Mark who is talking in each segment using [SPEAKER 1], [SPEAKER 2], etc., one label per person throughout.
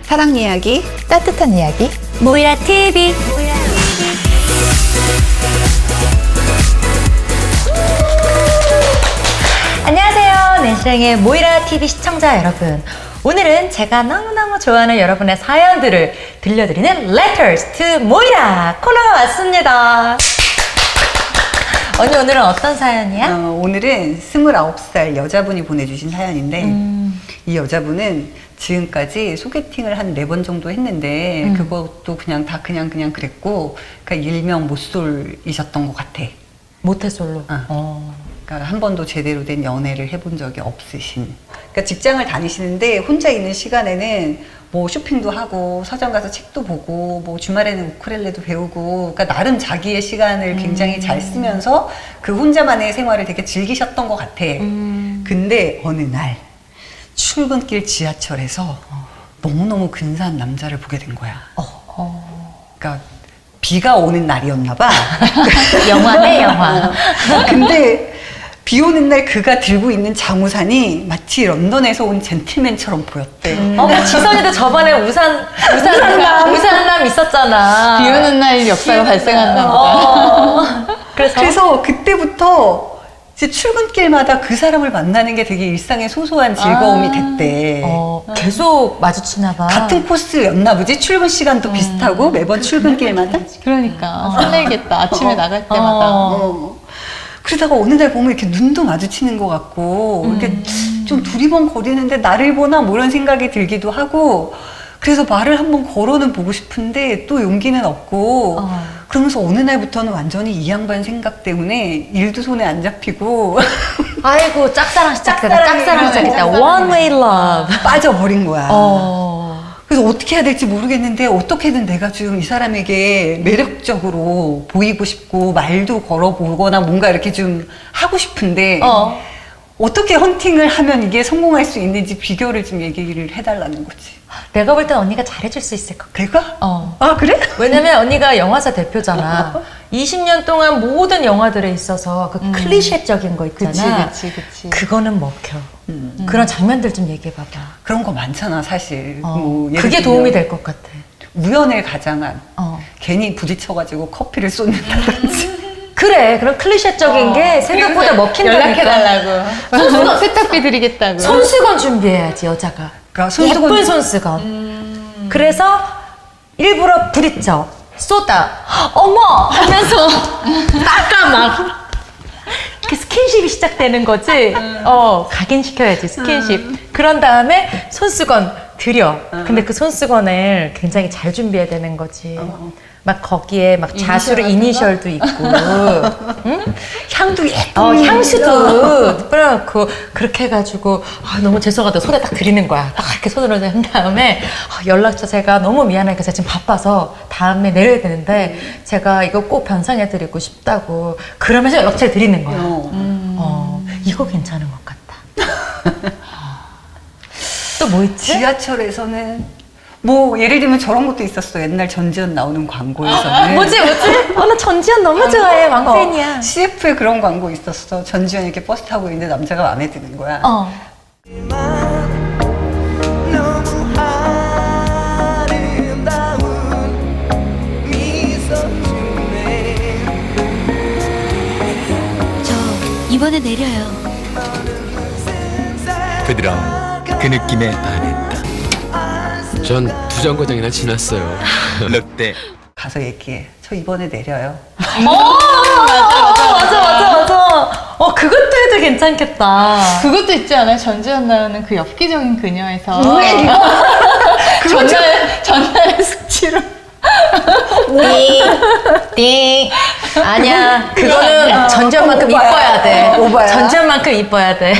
[SPEAKER 1] 사랑 이야기,
[SPEAKER 2] 따뜻한 이야기
[SPEAKER 3] 모이라 TV. 안녕하세요. 낸시랭의 모이라 TV 시청자 여러분. 오늘은 제가 너무너무 좋아하는 여러분의 사연들을 들려드리는 Letters to 모이라 코너가 왔습니다. 언니 오늘은 어떤 사연이야?
[SPEAKER 1] 오늘은 29살 여자분이 보내주신 사연인데 이 여자분은 지금까지 소개팅을 한 4번 정도 했는데 그것도 그냥 다 그냥 그랬고, 그러니까 일명 모쏠이셨던 것 같아.
[SPEAKER 3] 모태솔로.
[SPEAKER 1] 그러니까 한 번도 제대로 된 연애를 해본 적이 없으신. 그러니까 직장을 다니시는데 혼자 있는 시간에는 뭐 쇼핑도 하고 서점 가서 책도 보고 뭐 주말에는 우쿨렐레도 배우고, 그러니까 나름 자기의 시간을 굉장히 잘 쓰면서 그 혼자만의 생활을 되게 즐기셨던 것 같아. 근데 어느 날 출근길 지하철에서 너무너무 근사한 남자를 보게 된 거야. 그러니까 비가 오는 날이었나 봐.
[SPEAKER 3] 영화네 영화.
[SPEAKER 1] 근데 비 오는 날 그가 들고 있는 장우산이 마치 런던에서 온 젠틀맨처럼 보였대.
[SPEAKER 3] 지선이도 저번에 우산남 있었잖아.
[SPEAKER 2] 비 오는 날 역사가 발생했나 보다.
[SPEAKER 1] 그래서 그때부터 이제 출근길마다 그 사람을 만나는 게 되게 일상의 소소한 즐거움이 됐대.
[SPEAKER 3] 계속 마주치나 봐.
[SPEAKER 1] 같은 코스였나 보지? 출근 시간도 비슷하고 매번 출근길마다?
[SPEAKER 2] 그러니까 설레겠다. 아침에 나갈 때마다.
[SPEAKER 1] 그러다가 어느 날 보면 이렇게 눈도 마주치는 것 같고 이렇게 좀 두리번거리는데 나를 보나 뭐 이런 생각이 들기도 하고, 그래서 말을 한번 걸어는 보고 싶은데 또 용기는 없고 그러면서 어느 날부터는 완전히 이 양반 생각 때문에 일도 손에 안 잡히고
[SPEAKER 3] 아이고 짝사랑 시작됐다. 짝사랑 시작했다. One way love.
[SPEAKER 1] 빠져버린 거야. 그래서 어떻게 해야 될지 모르겠는데 어떻게든 내가 좀 이 사람에게 매력적으로 보이고 싶고 말도 걸어보거나 뭔가 이렇게 좀 하고 싶은데 어떻게 헌팅을 하면 이게 성공할 수 있는지 비결을 좀 얘기를 해달라는 거지.
[SPEAKER 3] 내가 볼 땐 언니가 잘해줄 수 있을 것 같아.
[SPEAKER 1] 내가?
[SPEAKER 3] 어.
[SPEAKER 1] 아 그래?
[SPEAKER 3] 왜냐면 언니가 영화사 대표잖아. 20년 동안 모든 영화들에 있어서 그 클리셰적인 거 있잖아.
[SPEAKER 2] 그치.
[SPEAKER 3] 그거는 먹혀. 그런 장면들 좀 얘기해봐봐.
[SPEAKER 1] 그런 거 많잖아 사실. 뭐 예를
[SPEAKER 3] 그게
[SPEAKER 1] 들면
[SPEAKER 3] 도움이 될 것 같아.
[SPEAKER 1] 우연을 가장한 괜히 부딪혀가지고 커피를 쏟는다든지.
[SPEAKER 3] 그래, 그런 클리셰적인 게 생각보다 먹힌다니까.
[SPEAKER 2] 연락해달라고. 세탁비 드리겠다고.
[SPEAKER 3] 손수건 준비해야지, 여자가.
[SPEAKER 1] 그러니까
[SPEAKER 3] 예쁜 손수건. 그래서 일부러 부딪혀. 쏟아. 어머! 하면서 닦아 막. 이렇게 스킨십이 시작되는 거지. 각인시켜야지, 스킨십. 그런 다음에 손수건 드려. 근데 그 손수건을 굉장히 잘 준비해야 되는 거지. 막 거기에 막 자수로 이니셜도 있고, 응?
[SPEAKER 1] 향도 예쁜
[SPEAKER 3] 향수도 뿌려놓고 그렇게 해가지고 너무 죄송하다 손에 딱 드리는 거야. 딱 이렇게 손으로 한 다음에 연락처 제가 너무 미안하니까 제가 지금 바빠서 다음에 내려야 되는데 제가 이거 꼭 변상해드리고 싶다고 그러면서 연락처를 드리는 거야. 이거 괜찮은 것 같다. 또 뭐 있지?
[SPEAKER 1] 지하철에서는 뭐 예를 들면 저런 것도 있었어. 옛날 전지현 나오는 광고에서는
[SPEAKER 3] 뭐지? 나 전지현 너무 좋아해. 왕팬이야.
[SPEAKER 1] CF에 그런 광고 있었어. 전지현이 이렇게 버스 타고 있는데 남자가 마음에 드는 거야.
[SPEAKER 4] 저 이번에 내려요.
[SPEAKER 5] 부드러운 그 느낌에 반했다.
[SPEAKER 6] 전 두 정거장이나 지났어요.
[SPEAKER 5] 롯데
[SPEAKER 1] 가서 얘기해. 저 이번에 내려요.
[SPEAKER 3] 맞아. 그것도 해도 괜찮겠다.
[SPEAKER 2] 그것도 있지 않아요? 전지현 나오는 그 엽기적인 그녀에서. 전날 숙취로.
[SPEAKER 3] 띵. 아니야. 그거는 전지현만큼 이뻐야 돼.
[SPEAKER 1] 오바야.
[SPEAKER 3] 전지현만큼 이뻐야 돼.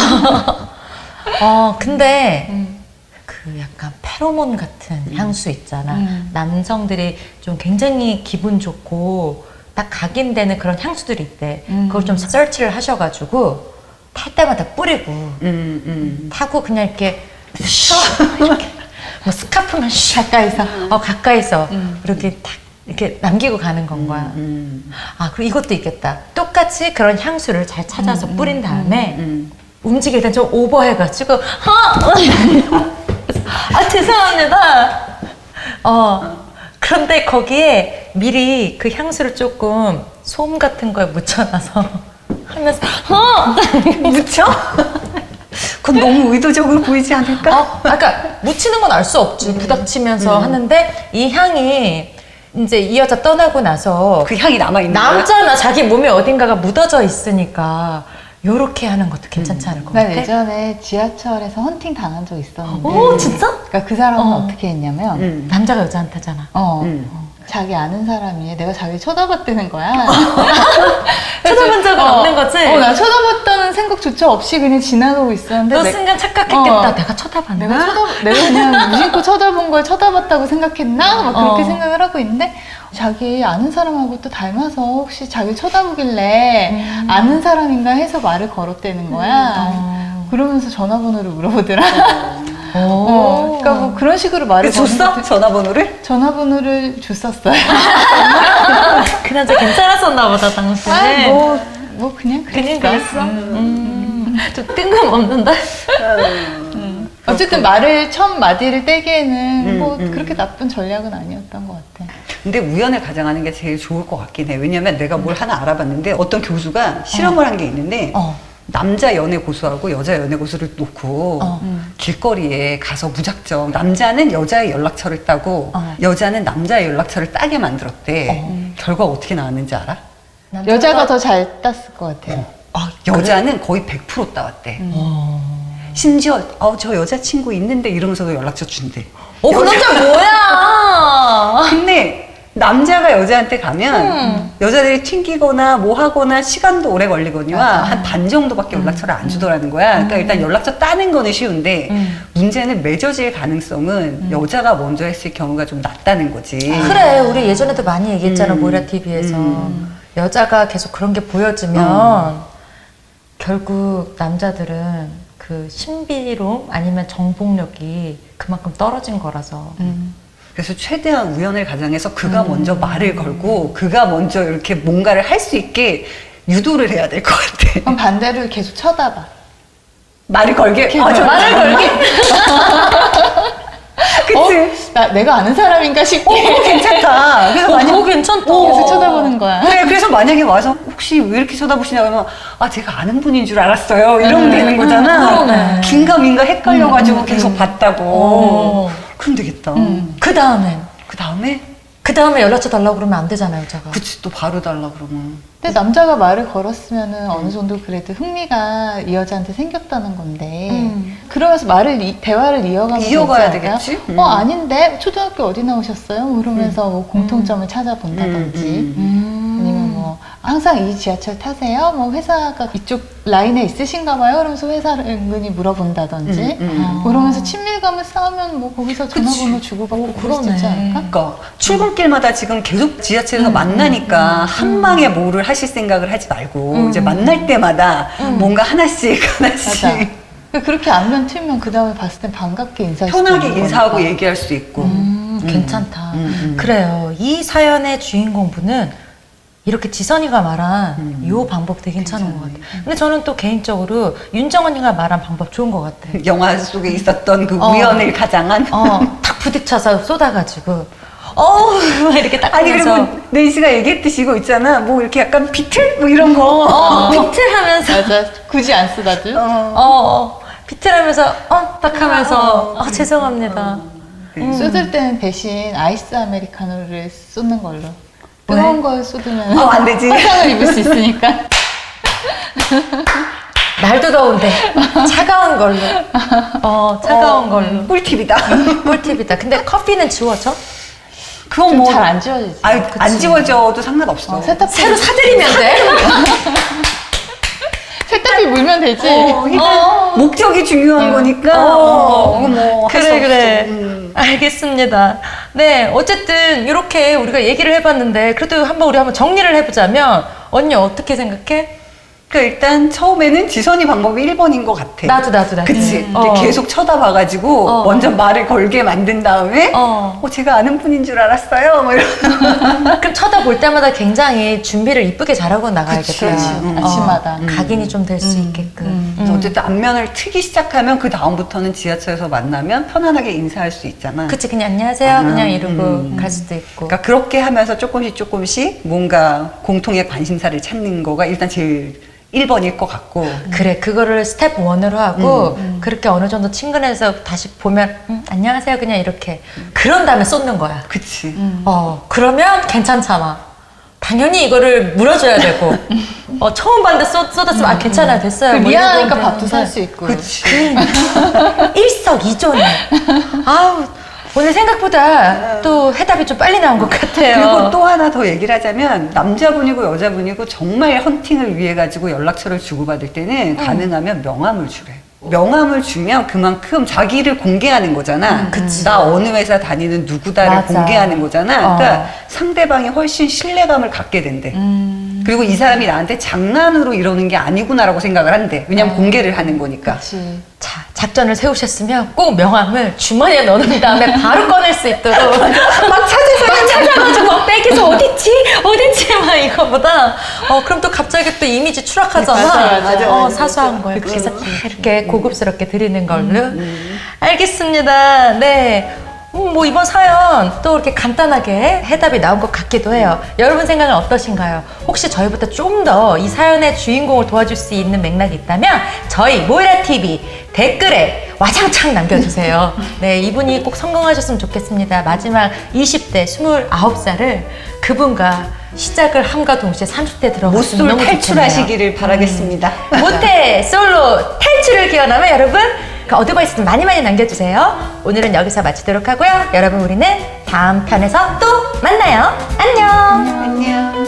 [SPEAKER 3] 근데 그 약간 페로몬 같은 향수 있잖아. 남성들이 좀 굉장히 기분 좋고 딱 각인되는 그런 향수들이 있대. 그걸 좀 서치를 하셔가지고 탈 때마다 뿌리고 타고 그냥 이렇게 뭐 스카프만 가까이서 이렇게 딱 이렇게 남기고 가는 건 거야. 그리고 이것도 있겠다. 똑같이 그런 향수를 잘 찾아서 뿌린 다음에 움직일 땐 좀 오버해가지고 아, 죄송합니다. 그런데 거기에 미리 그 향수를 조금 솜 같은 거에 묻혀놔서 하면서,
[SPEAKER 1] 묻혀? 그건 너무 의도적으로 보이지 않을까?
[SPEAKER 3] 그러니까 묻히는 건 알 수 없지. 부닥치면서 하는데 이 향이 이제 이 여자 떠나고 나서
[SPEAKER 1] 그 향이 남아있는 거야?
[SPEAKER 3] 남자나 자기 몸에 어딘가가 묻어져 있으니까 요렇게 하는 것도 괜찮지 않을 것
[SPEAKER 2] 난
[SPEAKER 3] 같아.
[SPEAKER 2] 예전에 지하철에서 헌팅 당한 적 있었는데.
[SPEAKER 3] 오, 진짜?
[SPEAKER 2] 그러니까 그 사람은 어떻게 했냐면,
[SPEAKER 3] 남자가 여자한테잖아.
[SPEAKER 2] 자기 아는 사람이 내가 자기 쳐다봤다는 거야.
[SPEAKER 3] 쳐다본 적은 없는 거지?
[SPEAKER 2] 나 쳐다봤다는 생각조차 없이 그냥 지나가고 있었는데.
[SPEAKER 3] 너 순간 착각했겠다. 내가 쳐다봤나?
[SPEAKER 2] 내가 그냥 무심코 쳐다본 걸 쳐다봤다고 생각했나? 막 그렇게 생각을 하고 있는데, 자기 아는 사람하고 또 닮아서 혹시 자기 쳐다보길래 아는 사람인가 해서 말을 걸었다는 거야. 그러면서 전화번호를 물어보더라. 그러니까 뭐 그런 식으로 말을
[SPEAKER 1] 줬어?
[SPEAKER 2] 거는
[SPEAKER 1] 전화번호를?
[SPEAKER 2] 전화번호를 줬었어요.
[SPEAKER 3] 그 남자 괜찮았었나 보다, 당시에.
[SPEAKER 2] 뭐 그냥
[SPEAKER 3] 그냥
[SPEAKER 2] 그랬어.
[SPEAKER 3] 그랬어? 좀 뜬금없는데?
[SPEAKER 2] 어쨌든 말을 첫 마디를 떼기에는 뭐 그렇게 나쁜 전략은 아니었던 것 같아.
[SPEAKER 1] 근데 우연을 가장하는 게 제일 좋을 것 같긴 해. 왜냐면 내가 뭘 하나 알아봤는데 어떤 교수가 실험을 한 게 있는데 남자 연애 고수하고 여자 연애 고수를 놓고 길거리에 가서 무작정 남자는 여자의 연락처를 따고 여자는 남자의 연락처를 따게 만들었대. 결과가 어떻게 나왔는지 알아?
[SPEAKER 2] 여자가 더 잘 땄을 것 같아요.
[SPEAKER 1] 여자는 거의 100% 따왔대. 심지어 저 여자친구 있는데 이러면서도 연락처 준대.
[SPEAKER 3] 그 남자 뭐야?
[SPEAKER 1] 근데 남자가 여자한테 가면 여자들이 튕기거나 뭐 하거나 시간도 오래 걸리거니와 한 반 정도밖에 연락처를 안 주더라는 거야. 그러니까 일단 연락처 따는 거는 쉬운데 문제는 맺어질 가능성은 여자가 먼저 했을 경우가 좀 낮다는 거지.
[SPEAKER 3] 그래, 우리 예전에도 많이 얘기했잖아, 모이라 TV에서. 여자가 계속 그런 게 보여지면 결국 남자들은 그 신비로움 아니면 정복력이 그만큼 떨어진 거라서.
[SPEAKER 1] 그래서 최대한 우연을 가장해서 그가 먼저 말을 걸고 그가 먼저 이렇게 뭔가를 할 수 있게 유도를 해야 될 것 같아.
[SPEAKER 2] 그럼 반대로 계속 쳐다봐.
[SPEAKER 1] 말을 걸게? 말을 걸게? 그치?
[SPEAKER 2] 내가 아는 사람인가 싶게.
[SPEAKER 1] 괜찮다. 그래서
[SPEAKER 3] 그거 괜찮다.
[SPEAKER 2] 계속 쳐다보는 거야.
[SPEAKER 1] 그래, 그래서 만약에 와서 혹시 왜 이렇게 쳐다보시냐 그러면 제가 아는 분인 줄 알았어요. 이러면 되는 거잖아.
[SPEAKER 3] 그러네.
[SPEAKER 1] 긴가민가 헷갈려가지고 계속 봤다고. 그럼 되겠다.
[SPEAKER 3] 그 다음엔?
[SPEAKER 1] 그 다음에
[SPEAKER 3] 연락처 달라고 그러면 안 되잖아요, 여자가.
[SPEAKER 1] 그치, 또 바로 달라 그러면.
[SPEAKER 2] 근데 남자가 말을 걸었으면은 어느 정도 그래도 흥미가 이 여자한테 생겼다는 건데 그러면서 대화를 이어가면
[SPEAKER 1] 이어가야
[SPEAKER 2] 되지 않을까?
[SPEAKER 1] 되겠지?
[SPEAKER 2] 아닌데 초등학교 어디 나오셨어요? 그러면서 뭐 공통점을 찾아본다든지 아니면 뭐 항상 이 지하철 타세요? 뭐 회사가 이쪽 라인에 있으신가 봐요? 그러면서 회사를 은근히 물어본다든지 그러면서 친밀감을 쌓으면 뭐 거기서 전화번호 주고받고 그럴 수 있지 않을까?
[SPEAKER 1] 그러니까 출근길마다 지금 계속 지하철에서 만나니까 한 방에 뭐를 하실 생각을 하지 말고 이제 만날 때마다 뭔가 하나씩
[SPEAKER 2] 맞아. 그렇게 안면 틀면 그 다음에 봤을 땐 반갑게 인사할 수 있는
[SPEAKER 1] 편하게 인사하고
[SPEAKER 2] 거니까.
[SPEAKER 1] 얘기할 수 있고.
[SPEAKER 3] 괜찮다. 그래요. 이 사연의 주인공분은 이렇게 지선이가 말한 이 방법 되게 괜찮은 것 같아요. 근데 저는 또 개인적으로 윤정언니가 말한 방법 좋은 것 같아요.
[SPEAKER 1] 영화 속에 있었던 그 우연을 가장한.
[SPEAKER 3] 탁 부딪혀서 쏟아가지고 막 이렇게 딱
[SPEAKER 1] 아니
[SPEAKER 3] 하면서
[SPEAKER 1] 그리고 네이스가 얘기했듯이 이거 있잖아. 뭐 이렇게 약간 비틀 뭐 이런 거.
[SPEAKER 3] 비틀하면서
[SPEAKER 2] 맞아. 굳이 안 쓰다도.
[SPEAKER 3] 비틀하면서 딱 하면서 죄송합니다.
[SPEAKER 2] 쏟을 때는 대신 아이스 아메리카노를 쏟는 걸로. 뜨거운 걸 쏟으면
[SPEAKER 1] 안 되지.
[SPEAKER 2] 화상을 입을 수 있으니까.
[SPEAKER 3] 날도 더운데 차가운 걸로. 차가운 걸로.
[SPEAKER 1] 꿀팁이다.
[SPEAKER 3] 꿀팁이다. 근데 커피는 지워져?
[SPEAKER 1] 그건 뭐
[SPEAKER 2] 잘 안 지워지지.
[SPEAKER 1] 안 지워져도 상관없어.
[SPEAKER 2] 세탁기
[SPEAKER 3] 새로 사드리면 돼?
[SPEAKER 2] 세탁기 물면 되지.
[SPEAKER 1] 일단 목적이 중요한 거니까. 뭐
[SPEAKER 3] 그래. 알겠습니다. 네, 어쨌든 이렇게 우리가 얘기를 해봤는데 그래도 우리 한번 정리를 해보자면 언니 어떻게 생각해?
[SPEAKER 1] 그러니까 일단 처음에는 지선이 방법이 1번인 것 같아.
[SPEAKER 3] 나도.
[SPEAKER 1] 그치? 이렇게 계속 쳐다봐가지고 먼저 말을 걸게 만든 다음에 제가 아는 분인 줄 알았어요. 뭐 이런.
[SPEAKER 3] 그럼 쳐다볼 때마다 굉장히 준비를 이쁘게 잘하고 나가야겠다.
[SPEAKER 2] 아침마다.
[SPEAKER 3] 각인이 좀 될 수 있게끔.
[SPEAKER 1] 그래서 어쨌든 안면을 트기 시작하면 그 다음부터는 지하철에서 만나면 편안하게 인사할 수 있잖아.
[SPEAKER 3] 그치, 그냥 안녕하세요. 그냥 이러고 갈 수도 있고.
[SPEAKER 1] 그러니까 그렇게 하면서 조금씩 뭔가 공통의 관심사를 찾는 거가 일단 제일 1번일 것 같고.
[SPEAKER 3] 그래, 그거를 스텝 1으로 하고 그렇게 어느 정도 친근해서 다시 보면 안녕하세요 그냥 이렇게 그런 다음에 쏟는 거야.
[SPEAKER 1] 그치.
[SPEAKER 3] 그러면 괜찮잖아. 당연히 이거를 물어줘야 되고 처음 봤는데 쏟았으면 괜찮아요 됐어요. 뭐
[SPEAKER 2] 미안하니까
[SPEAKER 3] 이러고
[SPEAKER 2] 밥도 살 수 있고.
[SPEAKER 1] 그치.
[SPEAKER 3] 일석이조네. 아우 오늘 생각보다 또 해답이 좀 빨리 나온 것 같아요.
[SPEAKER 1] 그리고 또 하나 더 얘기를 하자면 남자분이고 여자분이고 정말 헌팅을 위해 가지고 연락처를 주고받을 때는 가능하면 명함을 주래. 명함을 주면 그만큼 자기를 공개하는 거잖아. 나 어느 회사 다니는 누구다를
[SPEAKER 3] 맞아.
[SPEAKER 1] 공개하는 거잖아. 그러니까 상대방이 훨씬 신뢰감을 갖게 된대. 그리고 이 사람이 나한테 장난으로 이러는 게 아니구나라고 생각을 한대. 왜냐면 공개를 하는 거니까.
[SPEAKER 2] 그치.
[SPEAKER 3] 자, 작전을 세우셨으면 꼭 명함을 주머니에 넣어놓은 다음에 바로 꺼낼 수 있도록 막 찾아가지고 막 백에서 어딨지 막 이거보다 그럼 또 갑자기 또 이미지 추락하잖아.
[SPEAKER 1] 맞아.
[SPEAKER 3] 사소한 거예요. 그래서 이렇게 고급스럽게 드리는 걸로. 알겠습니다. 네. 뭐 이번 사연 또 이렇게 간단하게 해답이 나온 것 같기도 해요. 여러분 생각은 어떠신가요? 혹시 저희보다 좀 더 이 사연의 주인공을 도와줄 수 있는 맥락이 있다면 저희 모이라TV 댓글에 와장창 남겨주세요. 네, 이분이 꼭 성공하셨으면 좋겠습니다. 마지막 20대 29살을 그분과 시작을 함과 동시에 30대 들어갔으면
[SPEAKER 1] 모쏠
[SPEAKER 3] 너무
[SPEAKER 1] 탈출하시기를 바라겠습니다.
[SPEAKER 3] 모태 솔로 탈출을 기원하며 여러분 그 어드바이스 많이 남겨주세요. 오늘은 여기서 마치도록 하고요. 여러분 우리는 다음 편에서 또 만나요. 안녕.
[SPEAKER 1] 안녕.